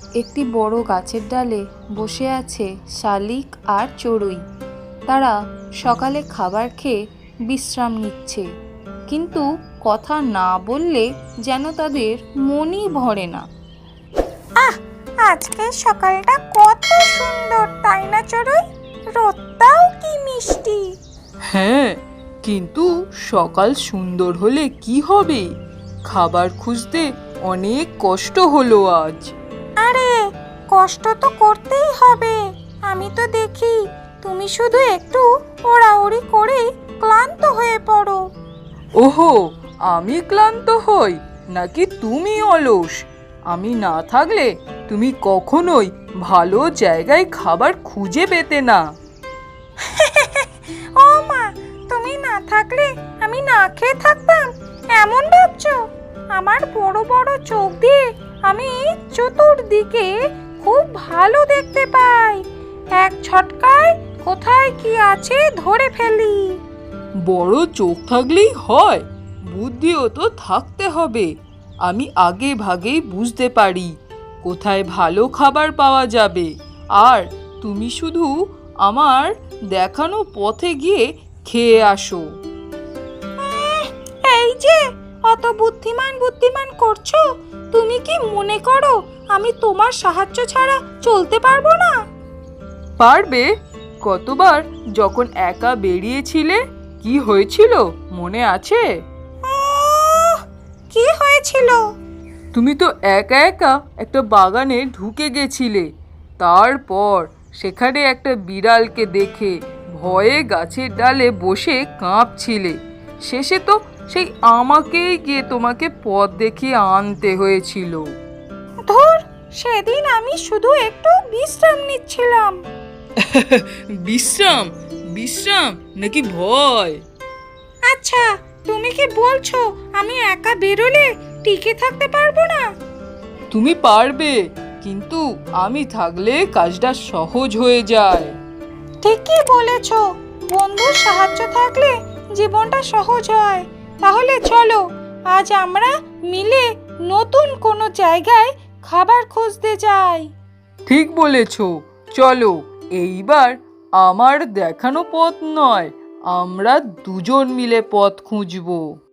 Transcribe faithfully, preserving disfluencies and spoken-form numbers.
একটি বড় গাছের ডালে বসে আছে শালিক আর চড়ুই। তারা সকালে খাবার খেয়ে বিশ্রাম নিচ্ছে, কিন্তু কথা না বললে যেন তাদের মনই ভরে না। আহ, আজকের সকালটা কত সুন্দর, তাই না চড়ুই? রোদটাও কি মিষ্টি। হ্যাঁ, কিন্তু সকাল সুন্দর হলে কি হবে? খাবার খুঁজতে অনেক কষ্ট হলো আজ। আরে, কষ্ট তো করতেই হবে। আমি তো দেখি তুমি শুধু একটু ওড়াউড়ি করে ক্লান্ত হয়ে পড়ো। ওহো, আমি ক্লান্ত হই নাকি তুমি অলস? আমি না থাকলে তুমি কখনোই ভালো জায়গায় খাবার খুঁজে পেতে না। ও মা, তুমি না থাকলে আমি না খেয়ে থাকতাম এমন ভাবছো? আমার বড় বড় চোখ দিয়ে আমি চতুর্দিকে খুব ভালো দেখতে পাই। এক ঝটকায় কোথায় কি আছে ধরে ফেলি। বড় চোখ থাকলেই হয়? বুদ্ধিও তো থাকতে হবে। আমি আগে ভাগেই বুঝতে পারি কোথায় ভালো খাবার পাওয়া যাবে, আর তুমি শুধু আমার দেখানো পথে গিয়ে খেয়ে আসো। এই যে অত বুদ্ধিমান বুদ্ধিমান করছো, তুমি কি মনে করো আমি তোমার সাহায্য ছাড়া চলতে পারবো না? পারবে। কতবার যখন একা বেরিয়েছিলে কি হয়েছিল মনে আছে? আহ, কি হয়েছিল? তুমি তো একা একা একটা বাগানে ঢুকে গেছিলে। তারপর সেখানে একটা বিড়ালকে দেখে ভয়ে গাছের ডালে বসে কাঁপছিলে। শেষে তো সেই আমাকেই গিয়ে তোমাকে পথ দেখিয়ে আনতে হয়েছিল। ধুর, সেদিন আমি শুধু একটু বিশ্রাম নিচ্ছিলাম। বিশ্রাম? বিশ্রাম নাকি ভয়? আচ্ছা, তুমি কি বলছো আমি একা বেরোলে টিকে থাকতে পারবো না? তুমি পারবে, কিন্তু আমি থাকলে কাজটা সহজ হয়ে যায়। ঠিকই বলেছো, বন্ধুর সাহায্য থাকলে জীবনটা সহজ হয়। তাহলে চলো আজ আমরা মিলে নতুন কোনো জায়গায় খাবার খুঁজতে যাই। ঠিক বলেছ, চলো। এইবার আমার দেখানো পথ নয়, আমরা দুজন মিলে পথ খুঁজবো।